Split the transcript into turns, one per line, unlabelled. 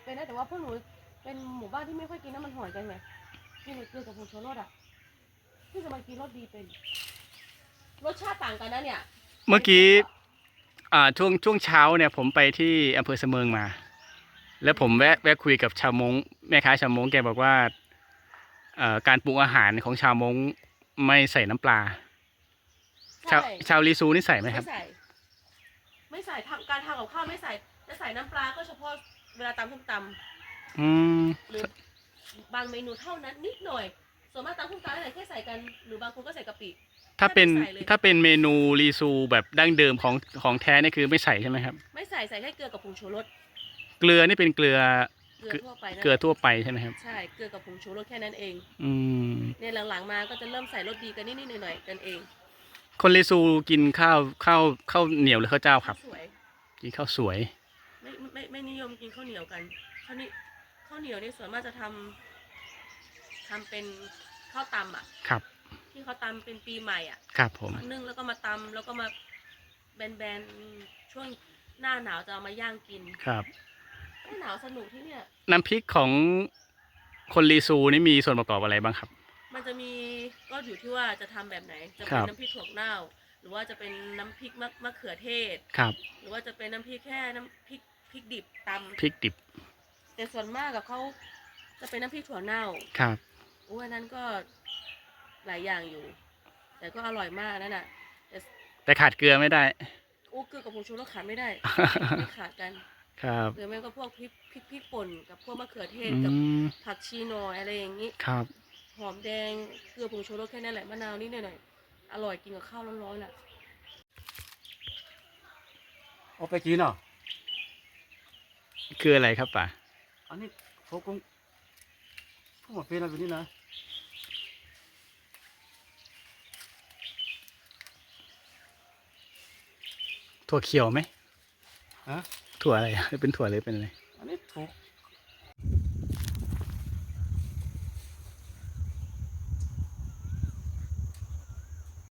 เป็นนะแต่ว่าพวกหนูเป็นหมู่บ้านที่ไม่ค่อยกินน้ำมันหอยกันไงกินเกลือกับผงชูรสอ่ะที่จะมากินรสดีเป็นรสชาติต่างกันนะเนี่ย
เมื่อกี้ช่วงเช้าเนี่ยผมไปที่อำเภอเสมิงมา แล้วผมแวะคุยกับชาวมงแม่ค้าชาวมงแกบอกว่าการปรุงอาหารของชาวมงไม่ใส่น้ำปลาชาวลีซูนี่ใส่ไหมครับ
ไม่ใส่การทำกับข้าวไม่ใส่จะใส่น้ำปลาก็เฉพาะเวลาตำส้มตำหรือบางเมนูเท่านั้นนิดหน่อยส่วนมากตำส้มตำอะไรแค่ใส่กันหรือบางคนก็ใส่กะปิ
ถ้าเป็นเมนูลีซูแบบดั้งเดิมของแท้นี่คือไม่ใส่ใช่ไหมครับ
ไม่ใส่ใส่แค่เกลือกับผงชูรส
เกลือนี่เป็นเกลือ
ทั่วไป
เกลือทั่วไปใช่ไหมครับ
ใช่เกลือกับผงชูรสแค่นั้นเอง
เนี่ย
หลังๆมาก็จะเริ่มใส่รสดีกันนิดๆหน่อยๆกันเอง
คนลีซูกินข้าวเหนียวหรือข้าวเจ้าครับกินข้าวสวย
ไม่นิยมกินข้าวเหนียวกันข้าวเหนียวนี่ส่วนมากจะทำเป็นข้าวตำอ่ะ
ครับ
ที่เขาตำเป็นปีใหม่อ่ะ
ครับผม
นึ่งแล้วก็มาตำแล้วก็มาแบนช่วงหน้าหนาวจะเอามาย่างกิน
ครับ
หน้าหนาวสนุกที่เนี่ย
น้ำพริกของคนลีซูนี่มีส่วนประกอบอะไรบ้างครับ
มันจะมีก็อยู่ที่ว่าจะทำแบบไหนจะเป็นน้ำพริกถั่วเน่าหรือว่าจะเป็นน้ำพริกมะเขือเทศ
ครับ
หรือว่าจะเป็นน้ำพริกแค่น้ำพริกดิบตำ
พริกดิบ
แต่ส่วนมากกับเขาจะเป็นน้ำพริกถั่วเน่า
ครับ
อันนั้นก็หลายอย่างอยู่แต่ก็อร่อยมากนั่นน่ะ
แต่ขาดเกลือไม่ได้
เกลือกับผงชูรสขาดไม่ได้ไม่ขาดกัน
ครับ
หรือไม่ก็พวกพริกป่นกับพวกมะเขือเทศกับผักชีหน่อยอะไรอย่างนี้
ครับ
หอมแดงเกลือผงชูรสแค่นั้นแหละมะนาวนิดหน่อยอร่อยกินกับข้าวร้อนๆน่ะ
เอาไปกินเหรอ
คืออะไรครับป่า
อันนี้เขาคงพวกมันเป็นอะไรแบบนี้นะ
ถั่วเขียวไหม
ฮะ
ถั่วอะไรเป็นถั่วหรือเป็นอะไร
อันนี้ถูก